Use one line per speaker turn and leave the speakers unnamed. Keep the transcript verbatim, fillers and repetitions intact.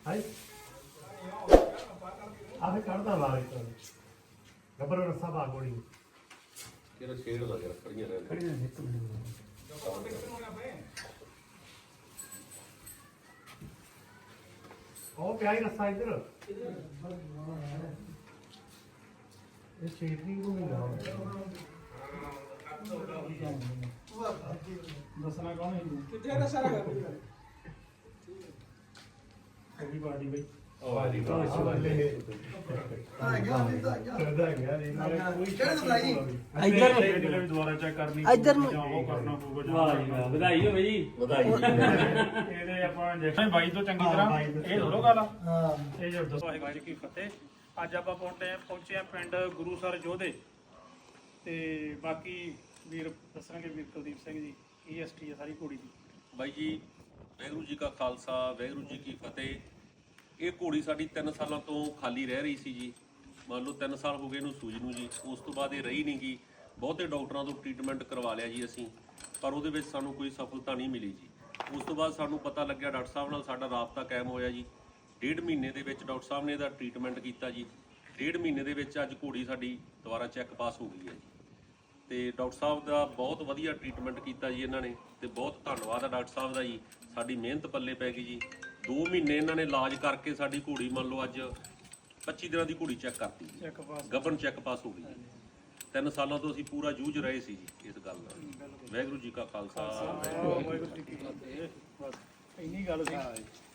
High ਆਵੇ ਕੱਢਦਾ ਵਾਲੇ ਤੋਂ ਗੱਬਰ ਰਸਾ ਪਾ ਗੋੜੀ
ਕਿਹੜਾ ਸ਼ੇਡ ਲੱਗ ਰਿਹਾ ਖੜੀਆਂ ਰਹਿ
ਖੜੀਆਂ ਨੇ ਇੱਕ ਮਿੰਟ ਉਹ ਪਿਆ ਹੀ ਰਸਾ ਇੱਧਰ ਇਹ ਛੇਤੀ ਨੂੰ ਨਹੀਂ ਲਾਉਣਾ ਦੱਸਣਾ ਕੌਣ ਹੈ ਕਿੱਥੇ ਦਾ ਸਾਰਾ ਕਰ ਕੋਈ ਬਾਡੀ ਬਈ
ਉਹ ਆ ਜੀ
ਆ ਗਿਆ ਆ ਗਿਆ ਕਰਦਾ ਗਿਆ ਨਹੀਂ ਕੋਈ ਕਿਹੜੇ ਤੋਂ ਲਾਈ
ਇੱਧਰ ਨੂੰ
ਵੀ ਦੁਬਾਰਾ ਚੈੱਕ ਕਰਨੀ
ਇੱਧਰ ਨੂੰ
ਉਹ ਕਰਨਾ ਪਊਗਾ
ਵਾਹ ਜੀ ਵਾਹ ਵਧਾਈ ਹੋਵੇ ਜੀ
ਵਧਾਈ
ਇਹਦੇ ਆਪਾਂ ਇੰਜੈਕਸ਼ਨ ਬਾਈ ਤੋਂ ਚੰਗੀ ਤਰ੍ਹਾਂ ਇਹ ਥੋੜੋ ਗੱਲ
ਹਾਂ
ਇਹ ਜੋ ਦੱਸੋ ਵਾਹਿਗੁਰੂ ਜੀ ਕੀ ਫਤਿਹ। ਅੱਜ ਆਪਾਂ ਪਹੁੰਚੇ ਪਹੁੰਚੇ ਆ ਪਿੰਡ ਗੁਰੂਸਰ ਜੋਧੇ ਤੇ ਬਾਕੀ ਵੀਰ ਦੱਸਣਗੇ ਵੀਰ ਕੁਲਦੀਪ ਸਿੰਘ ਜੀ ਈਐਸਟੀ ਆ ਸਾਰੀ ਘੋੜੀ ਦੀ।
ਬਾਈ ਜੀ ਵਾਹਿਗੁਰੂ ਜੀ ਕਾ ਖਾਲਸਾ ਵਾਹਿਗੁਰੂ ਜੀ ਕੀ ਫਤਿਹ। ਇਹ ਘੋੜੀ ਸਾਡੀ ਤਿੰਨ ਸਾਲਾਂ ਤੋਂ ਖਾਲੀ ਰਹਿ ਰਹੀ ਸੀ ਜੀ। ਮੰਨ ਲਓ ਤਿੰਨ ਸਾਲ ਹੋ ਗਏ ਇਹਨੂੰ ਸੂਝ ਨੂੰ ਜੀ। ਉਸ ਤੋਂ ਬਾਅਦ ਇਹ ਰਹੀ ਨਹੀਂ ਗੀ। ਬਹੁਤੇ ਡਾਕਟਰਾਂ ਤੋਂ ਟ੍ਰੀਟਮੈਂਟ ਕਰਵਾ ਲਿਆ ਜੀ ਅਸੀਂ, ਪਰ ਉਹਦੇ ਵਿੱਚ ਸਾਨੂੰ ਕੋਈ ਸਫਲਤਾ ਨਹੀਂ ਮਿਲੀ ਜੀ। ਉਸ ਤੋਂ ਬਾਅਦ ਸਾਨੂੰ ਪਤਾ ਲੱਗਿਆ, ਡਾਕਟਰ ਸਾਹਿਬ ਨਾਲ ਸਾਡਾ ਰਾਬਤਾ ਕਾਇਮ ਹੋਇਆ ਜੀ। ਡੇਢ ਮਹੀਨੇ ਦੇ ਵਿੱਚ ਡਾਕਟਰ ਸਾਹਿਬ ਨੇ ਇਹਦਾ ਟ੍ਰੀਟਮੈਂਟ ਕੀਤਾ ਜੀ। ਡੇਢ ਮਹੀਨੇ ਦੇ ਵਿੱਚ ਅੱਜ ਘੋੜੀ ਸਾਡੀ ਦੁਬਾਰਾ ਚੈੱਕ ਪਾਸ ਹੋ ਗਈ ਹੈ ਜੀ। ਤੇ ਡਾਕਟਰ ਸਾਹਿਬ ਦਾ ਬਹੁਤ ਵਧੀਆ ਟ੍ਰੀਟਮੈਂਟ ਕੀਤਾ ਜੀ ਇਹਨਾਂ ਨੇ, ਤੇ ਬਹੁਤ ਧੰਨਵਾਦ ਆ ਡਾਕਟਰ ਸਾਹਿਬ ਦਾ ਜੀ। ਸਾਡੀ ਮਿਹਨਤ ਪੱਲੇ ਪੈ ਗਈ ਜੀ। ਦੋ ਮਹੀਨੇ ਇਹਨਾਂ ਨੇ ਇਲਾਜ ਕਰਕੇ ਸਾਡੀ ਘੋੜੀ ਮੰਨ ਲਓ ਅੱਜ ਪੱਚੀ ਦਿਨਾਂ ਦੀ ਘੋੜੀ ਚੈੱਕ ਕਰਤੀ ਜੀ, ਗੱਭਣ ਚੈੱਕ ਪਾਸ ਹੋ ਗਈ ਜੀ। ਤਿੰਨ ਸਾਲਾਂ ਤੋਂ ਅਸੀਂ ਪੂਰਾ ਜੂਝ ਰਹੇ ਸੀ ਜੀ ਇਸ ਗੱਲ ਨਾਲ। ਵਾਹਿਗੁਰੂ ਜੀ ਕਾ ਖਾਲਸਾ
ਵਾਹਿਗੁਰੂ ਜੀ ਕੀ ਫਤਿਹ। ਬਸ ਇੰਨੀ ਗੱਲ ਸੀ।